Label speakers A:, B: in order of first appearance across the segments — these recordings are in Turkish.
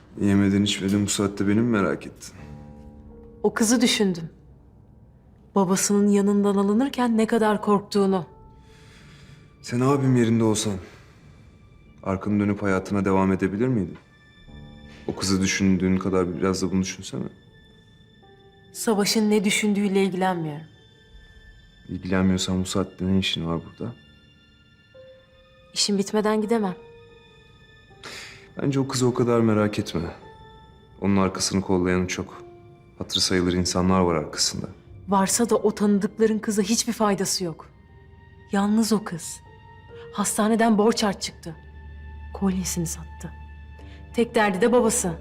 A: Yemeden içmeden bu saatte beni mi merak ettin?
B: O kızı düşündüm. Babasının yanından alınırken ne kadar korktuğunu.
A: Sen abim yerinde olsan arkanı dönüp hayatına devam edebilir miydin? O kızı düşündüğün kadar biraz da bunu düşünsene.
B: Savaş'ın ne düşündüğüyle ilgilenmiyorum.
A: İlgilenmiyorsan bu saatte ne işin var burada?
B: İşim bitmeden gidemem.
A: Bence o kızı o kadar merak etme. Onun arkasını kollayan çok. Hatırı sayılır insanlar var arkasında.
B: Varsa da o tanıdıkların kıza hiçbir faydası yok. Yalnız o kız. Hastaneden borç harç çıktı. Kolyesini sattı. Tek derdi de babası.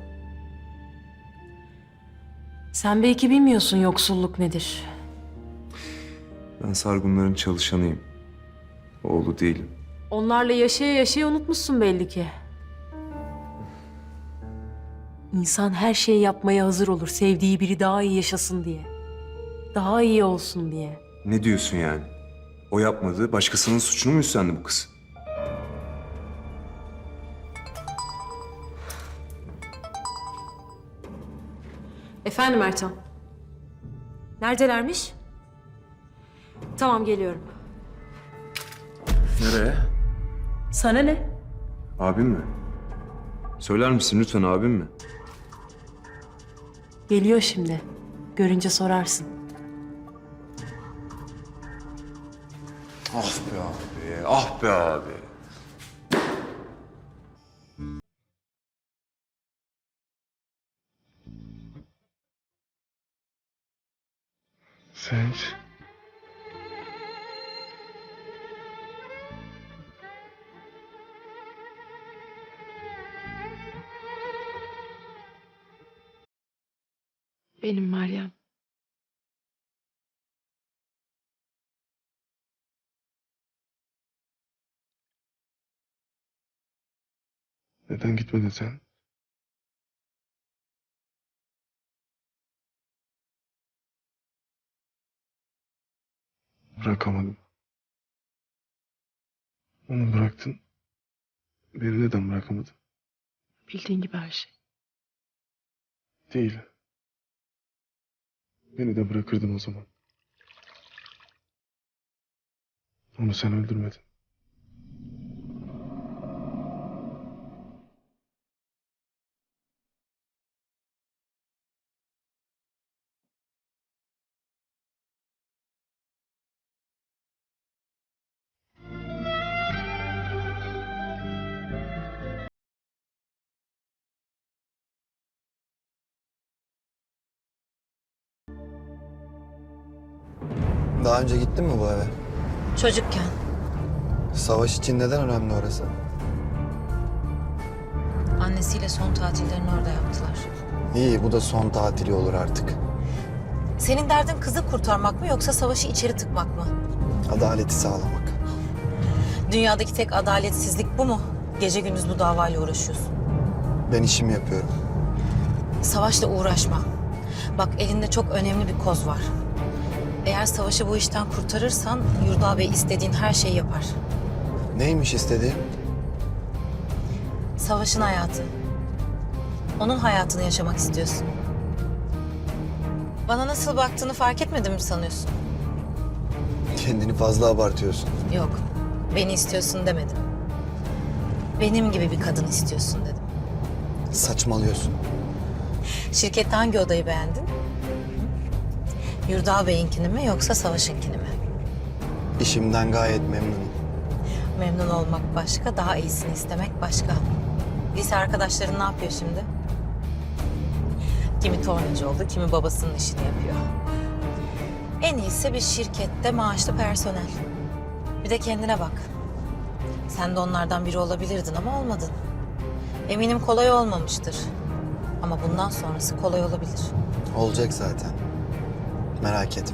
B: Sen belki bilmiyorsun yoksulluk nedir.
A: Ben Sargunların çalışanıyım. Oğlu değilim.
B: Onlarla yaşaya yaşaya unutmuşsun belli ki. İnsan her şeyi yapmaya hazır olur sevdiği biri daha iyi yaşasın diye. Daha iyi olsun diye.
A: Ne diyorsun yani? O yapmadı, başkasının suçunu mu üstlendi bu kız?
B: Efendim Ertan. Neredelermiş? Tamam geliyorum.
A: Nereye?
B: Sana ne?
A: Abim mi? Söyler misin lütfen abim mi?
B: Geliyor şimdi. Görünce sorarsın.
A: Ah be abi, ah be abi.
C: Sen...
D: Benim Meryem.
C: Neden gitmedin sen? Bırakamadım. Onu bıraktın. Beni neden bırakamadın?
D: Bildiğin gibi her şey.
C: Değil. Beni de bırakırdın o zaman. Onu sen öldürmedin.
E: Daha önce gittin mi bu eve?
F: Çocukken.
E: Savaş için neden önemli orası?
F: Annesiyle son tatillerini orada yaptılar.
E: İyi, bu da son tatili olur artık.
F: Senin derdin kızı kurtarmak mı yoksa savaşı içeri tıkmak mı?
E: Adaleti sağlamak.
F: Dünyadaki tek adaletsizlik bu mu? Gece gündüz bu davayla uğraşıyorsun.
E: Ben işimi yapıyorum.
F: Savaşla uğraşma. Bak elinde çok önemli bir koz var. Eğer savaşı bu işten kurtarırsan Yurda Bey istediğin her şeyi yapar.
E: Neymiş istediğim?
F: Savaşın hayatı. Onun hayatını yaşamak istiyorsun. Bana nasıl baktığını fark etmedin mi sanıyorsun?
E: Kendini fazla abartıyorsun.
F: Yok, beni istiyorsun demedim. Benim gibi bir kadın istiyorsun dedim.
E: Saçmalıyorsun.
F: Şirkette hangi odayı beğendin? Yurda Bey'inkini mi yoksa Savaş'ınkini mi?
E: İşimden gayet memnunum.
F: Memnun olmak başka, daha iyisini istemek başka. Lise arkadaşların ne yapıyor şimdi? Kimi tornacı oldu, kimi babasının işini yapıyor. En iyisi bir şirkette maaşlı personel. Bir de kendine bak. Sen de onlardan biri olabilirdin ama olmadın. Eminim kolay olmamıştır. Ama bundan sonrası kolay olabilir.
E: Olacak zaten. Merak etme.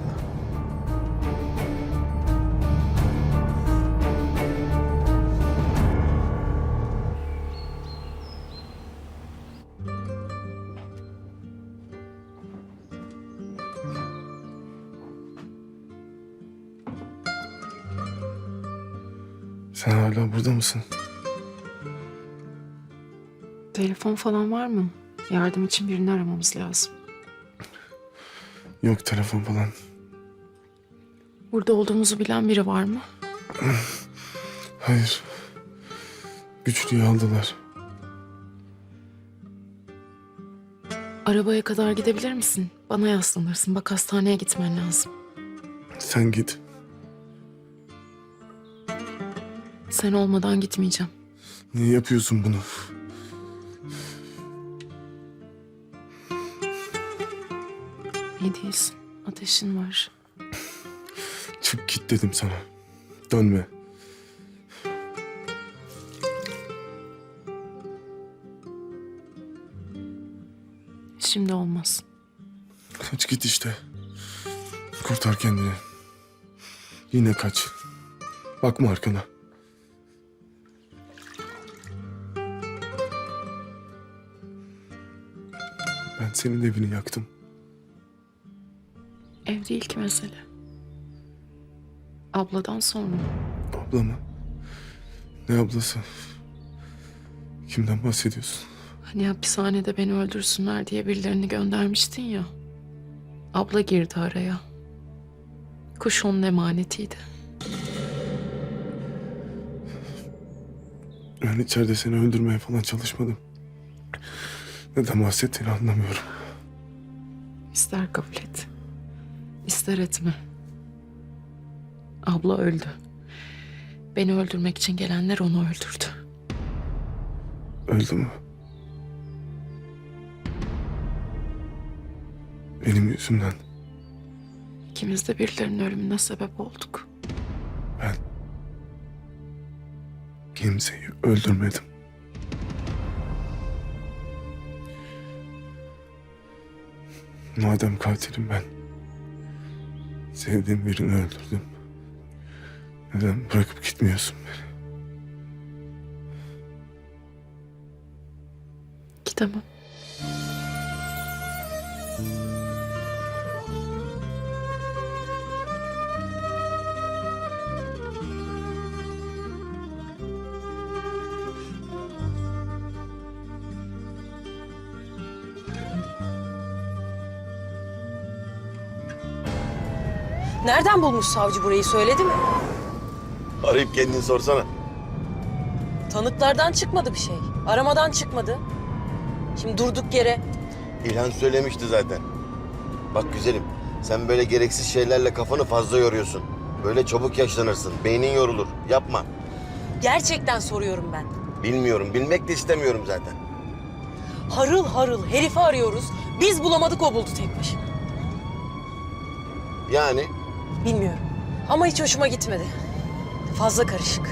C: Sen hala burada mısın?
D: Telefon falan var mı? Yardım için birini aramamız lazım.
C: Yok telefon falan.
D: Burada olduğumuzu bilen biri var mı?
C: Hayır. Güçlüyü aldılar.
D: Arabaya kadar gidebilir misin? Bana yaslanırsın. Bak hastaneye gitmen lazım.
C: Sen git.
D: Sen olmadan gitmeyeceğim.
C: Niye yapıyorsun bunu?
D: İyi değilsin. Ateşin var.
C: Çık git dedim sana. Dönme.
D: Şimdi olmaz.
C: Kaç git işte. Kurtar kendini. Yine kaç. Bakma arkana. Ben senin evini yaktım.
D: Ev değil ki mesele. Abladan sonra.
C: Abla mı? Ne ablası? Kimden bahsediyorsun?
D: Hani hapishanede beni öldürsünler diye birilerini göndermiştin ya. Abla girdi araya. Kuş onun emanetiydi.
C: Ben içeride seni öldürmeye falan çalışmadım. Neden bahsettiğini anlamıyorum.
D: İster kabul et, ister etme. Abla öldü. Beni öldürmek için gelenler onu öldürdü.
C: Öldü mü? Benim yüzümden.
D: İkimiz de birilerinin ölümüne sebep olduk.
C: Ben kimseyi öldürmedim. Madem katilim ben, sevdiğim birini öldürdüm. Neden bırakıp gitmiyorsun beni?
D: Gidemem.
B: Nereden bulmuş savcı burayı söyledi mi?
G: Arayıp kendini sorsana.
B: Tanıklardan çıkmadı bir şey. Aramadan çıkmadı. Şimdi durduk yere.
G: İlhan söylemişti zaten. Bak güzelim, sen böyle gereksiz şeylerle kafanı fazla yoruyorsun. Böyle çabuk yaşlanırsın, beynin yorulur. Yapma.
B: Gerçekten soruyorum ben.
G: Bilmiyorum, bilmek de istemiyorum zaten.
B: Harıl harıl herifi arıyoruz. Biz bulamadık, o buldu tek başına.
G: Yani
B: Bilmiyorum. Ama hiç hoşuma gitmedi. Fazla karışık.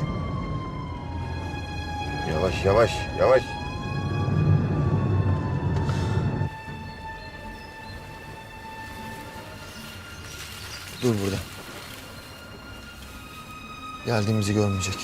G: yavaş yavaş, yavaş.
E: Dur burada. Geldiğimizi görmeyecek.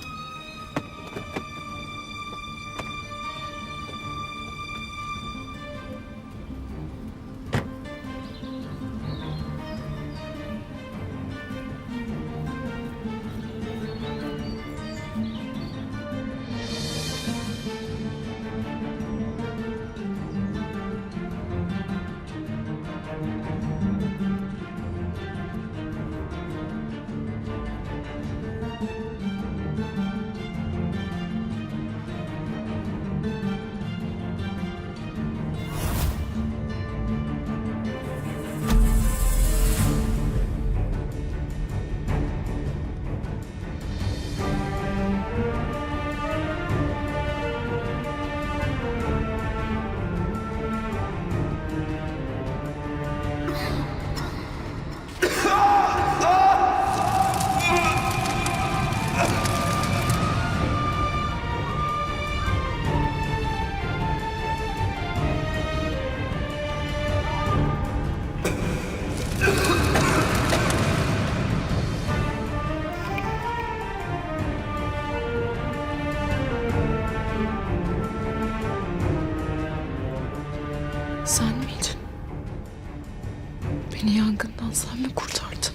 D: Sen miydin? Beni yangından sen mi kurtardın?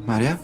E: Meryem?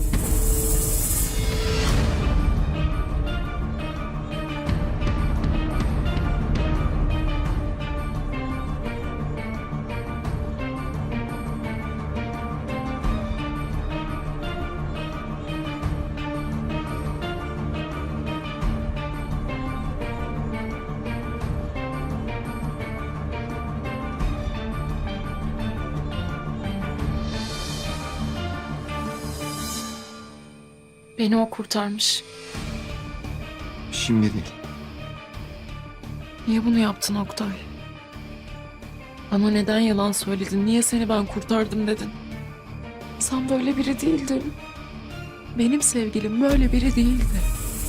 D: Beni o kurtarmış.
E: Şimdi değil.
D: Niye bunu yaptın Oktay? Bana neden yalan söyledin? Niye seni ben kurtardım dedin? Sen böyle biri değildin. Benim sevgilim böyle biri değildi.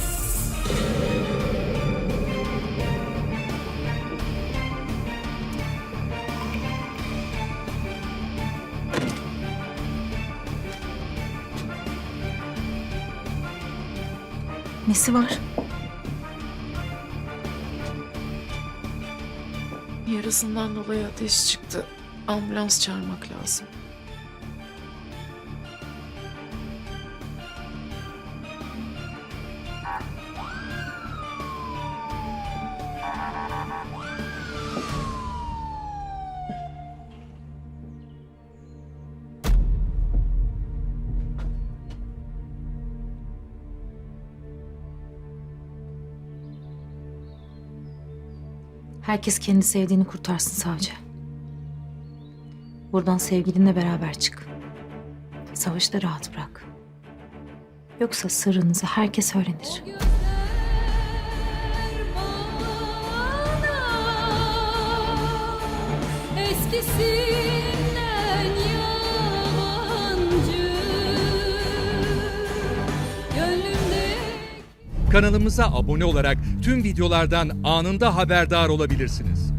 F: Nesi var?
D: Yarısından dolayı ateş çıktı. Ambulans çağırmak lazım.
F: Herkes kendi sevdiğini kurtarsın savcı. Buradan sevgilinle beraber çık. Savaşı da rahat bırak. Yoksa sırrınızı herkes öğrenir.
H: Eskisinden yabancı gönlümde.
I: Kanalımıza abone olarak tüm videolardan anında haberdar olabilirsiniz.